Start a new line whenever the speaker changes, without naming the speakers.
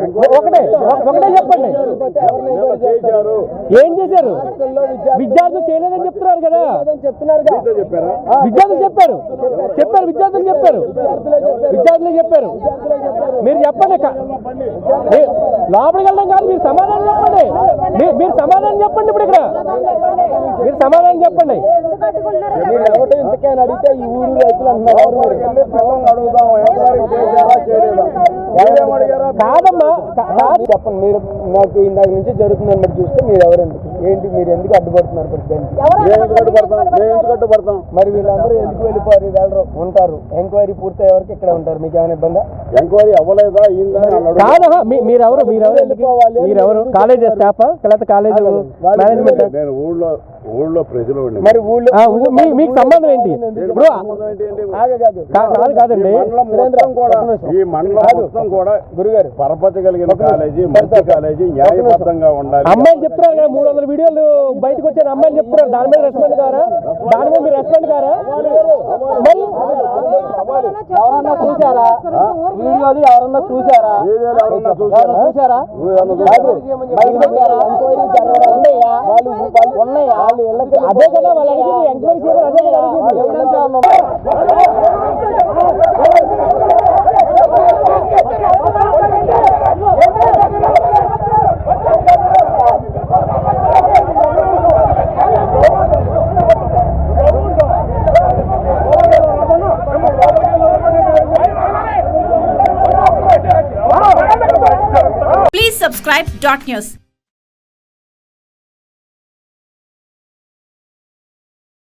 ఒకటే చెప్పండి, ఏం చేశారు? విద్యార్థులు చేయలేదని చెప్తున్నారు కదా, విద్యార్థులు చెప్పారు విద్యార్థులే చెప్పారు. మీరు చెప్పండి, లోపలికి వెళ్ళడం కాదు, మీరు సమాధానం చెప్పండి. మీరు సమాధానం చెప్పండి. ఇప్పుడు ఇక్కడ మీరు సమాధానం చెప్పండి.
అడిగితే ఈ ఊరు రైతులు అంటున్నారు,
కాదమ్మా
చెప్పండి. మీరు నాకు ఇందాక నుంచి జరుగుతుందని బట్టి చూస్తే మీరు ఎవరెందుకు ఏంటి, మీరు ఎందుకు అడ్డుపడుతున్నారు?
అడ్డుపడతాం
మరి వీళ్ళందరూ ఎందుకు వెళ్ళిపోరు, వెళ్ళరు, ఉంటారు. ఎంక్వైరీ పూర్తి ఎవరికి ఇక్కడ ఉంటారు. మీకు ఏమైనా ఇబ్బందా?
ఎంక్వైరీ అవ్వలేదా?
కాదా? మీరెవరు? కాలేజ్ స్టాఫా లేకపోతే కాలేజ్ మేనేజ్మెంట్?
నేను ఊళ్ళో ప్రజలు.
మరి ఊళ్ళో
మీకు సంబంధం ఏంటి? ఇప్పుడు కాదండి,
ఈ మండలం మొత్తం కూడా గురుగారు పరపతి కలిగిన కాలేజీ, మంచి కాలేజీ, న్యాయబద్ధంగా ఉండాలి.
అమ్మాయిలు చెప్తున్నారు కదా, 300 వీడియోలు బయటకు వచ్చారు, అమ్మాయిలు చెప్తున్నారు. దాని మీద రెస్పాండ్ కారా? మీరు రెస్పాండ్ కారా? మరి
ఎవరన్నా చూసారా వీడియోలు? ఎవరన్నా చూసారా? ఉన్నాయా?
అదే కదా వాళ్ళు అడిగింది, ఎంక్వైరీ చేయాలి. అదే కదా అడిగింది.
Please subscribe Dot News.